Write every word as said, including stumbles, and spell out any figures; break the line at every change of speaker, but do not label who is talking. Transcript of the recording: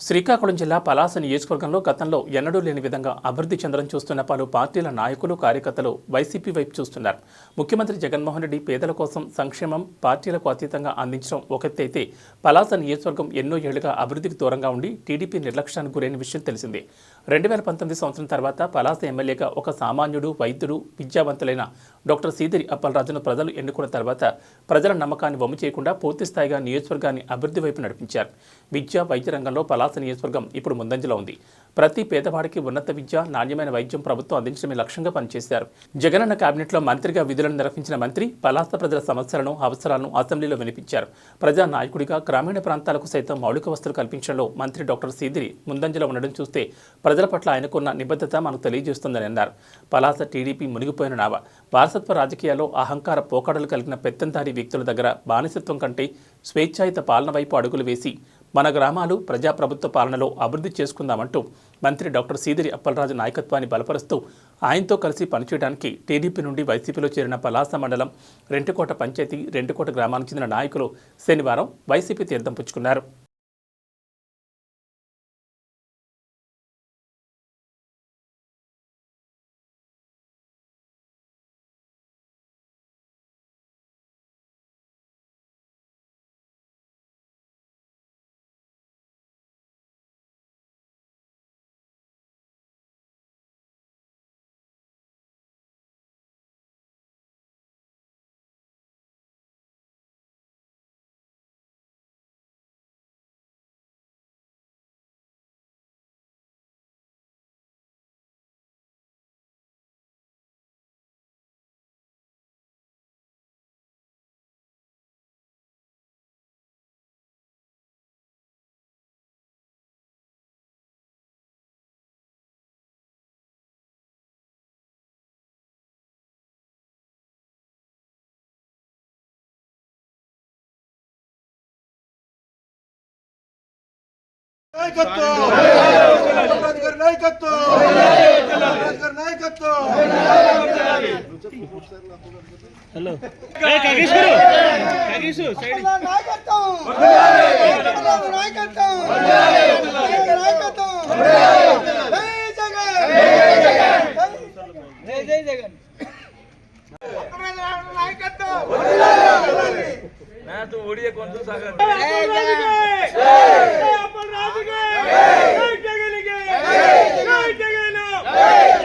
శ్రీకాకుళం జిల్లా పలాస నియోజకవర్గంలో గతంలో ఎన్నడూ లేని విధంగా అభివృద్ధి చెందడం చూస్తున్న పలు పార్టీల నాయకులు కార్యకర్తలు వైసీపీ వైపు చూస్తున్నారు. ముఖ్యమంత్రి జగన్మోహన్ రెడ్డి పేదల కోసం సంక్షేమం పార్టీలకు అతీతంగా అందించడం ఒకటైతే పలాస నియోజకవర్గం ఎన్నో ఏళ్లుగా అభివృద్ధికి దూరంగా ఉండి టీడీపీ నిర్లక్ష్యానికి గురైన విషయం తెలిసిందే. రెండు వేల పంతొమ్మిది సంవత్సరం తర్వాత పలాస ఎమ్మెల్యేగా ఒక సామాన్యుడు, వైద్యుడు, విద్యావంతులైన డాక్టర్ సీదిరి అప్పలరాజును ప్రజలు ఎన్నుకున్న తర్వాత ప్రజల నమ్మకాన్ని వమ్ము చేయకుండా పూర్తి స్థాయిగా నియోజకవర్గాన్ని అభివృద్ధి వైపు నడిపించారు. విద్య, వైద్య రంగంలో పలాస నియోజకవర్గం ఇప్పుడు ముందంజలో ఉంది. ప్రతి పేదవాడికి ఉన్నత విద్య, నాణ్యమైన వైద్యం ప్రభుత్వం అందించడమే లక్ష్యంగా పనిచేశారు. జగనన్న కేబినెట్లో మంత్రిగా విధులను నిర్వహించిన మంత్రి పలాస ప్రజల సమస్యలను, అవసరాలను అసెంబ్లీలో వినిపించారు. ప్రజా నాయకుడిగా గ్రామీణ ప్రాంతాలకు సైతం మౌలిక వసతులు కల్పించడంలో మంత్రి డాక్టర్ సీదిరి ముందంజలో ఉండడం చూస్తే ప్రజల పట్ల ఆయనకున్న నిబద్ధత మనకు తెలియజేస్తుందని అన్నారు. పలాస టీడీపీ మునిగిపోయిన నావ. వారసత్వ రాజకీయాల్లో అహంకార పోకడలు కలిగిన పెత్తందారీ వ్యక్తుల దగ్గర బానిసత్వం కంటే స్వేచ్ఛాయుత పాలన వైపు అడుగులు వేసి మన గ్రామాలు ప్రజాప్రభుత్వ పాలనలో అభివృద్ధి చేసుకుందామంటూ మంత్రి డాక్టర్ సీదిరి అప్పలరాజు నాయకత్వాన్ని బలపరుస్తూ ఆయనతో కలిసి పనిచేయడానికి టీడీపీ నుండి వైసీపీలో చేరిన పలాస మండలం రెంటికోట పంచాయతీ, రెంటికోట గ్రామానికి చెందిన నాయకులు శనివారం వైసీపీ తీర్థం పుచ్చుకున్నారు.
హలో కాగేష్ గారు కాగేష్ సైడ్ నాయకత్వం నాయకత్వం నాయకత్వం జై జగన్ జై జై జగన్ నాయకత్వం मैं तो ओडिया कौन सा सागर जय जय अमर राज के जय जगन के जय जगन